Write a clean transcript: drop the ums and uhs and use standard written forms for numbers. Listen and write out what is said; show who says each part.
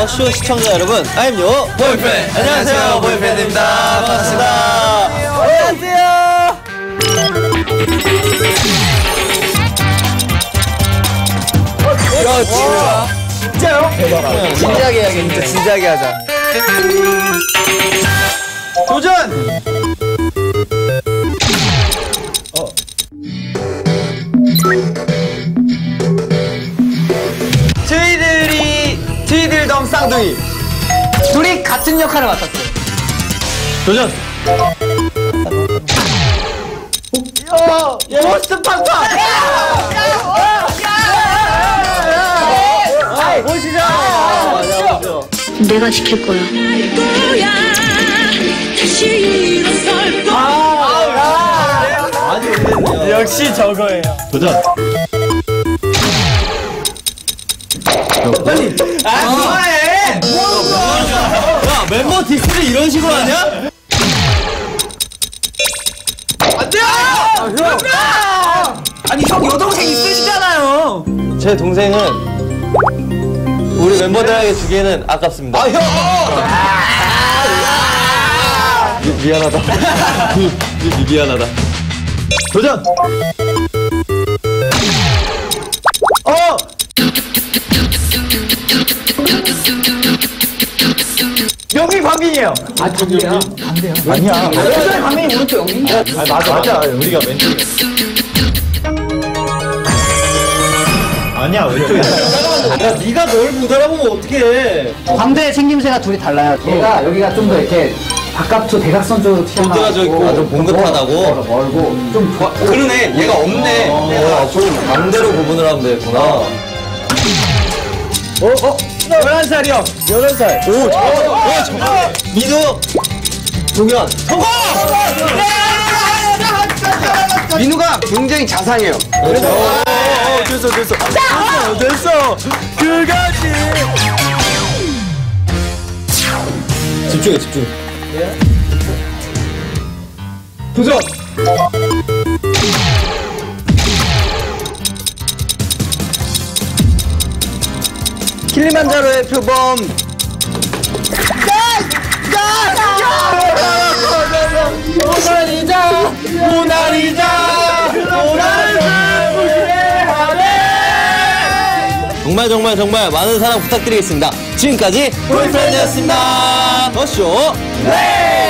Speaker 1: 더쇼 시청자 여러분, I'm your 보이프렌드. 안녕하세요, 보이프렌드입니다. 반갑습니다. 안녕하세요. 진짜요? 대박. 진지하게 해야겠는데, 진지하게 하자. 도전! 트위들덤 쌍둥이 둘이 같은 역할을 맡았어요. 도전! 포스트 팡팡! 보시죠!
Speaker 2: 내가 지킬 거야.
Speaker 1: 역시 저거예요. 도전! 빨리! 그만해! 야, 멤버 디스를 이런 식으로 하냐? 안 돼요!
Speaker 3: 아니 형 여동생 있으시잖아요.
Speaker 1: 제 동생은 우리 멤버들에게 주기에는 아깝습니다. 형! 미안하다. 미안하다. 도전! 영빈 광빈이에요.
Speaker 3: 아 강대야. 강대야.
Speaker 1: 아니야.
Speaker 3: 오늘 강민이 오른쪽 영빈이야.
Speaker 1: 맞아. 우리가 왼쪽에. 아니야, 왼쪽에. 야, 네가 널 못 알아보면 어떡해.
Speaker 3: 광대 생김새가 둘이 달라요. 얘가 여기가 좀 더 이렇게 바깥으로 대각선 쪽으로 튀어나오고
Speaker 1: 좀 봉긋하다고.
Speaker 3: 멀고 좀 좋아.
Speaker 1: 그러네. 얘가 없네. 좀 반대로 구분을 하면 되겠구나. 11살이요. 11살. 오, 정말. 민우. 동현. 성공! 민우가 굉장히 자상해요. 됐어. 그거지. 집중. 도전! 킬리만자로의 표범. 모나리자 정말 많은 사랑 부탁드리겠습니다. 지금까지 보이프렌드였습니다. 더쇼 플레이!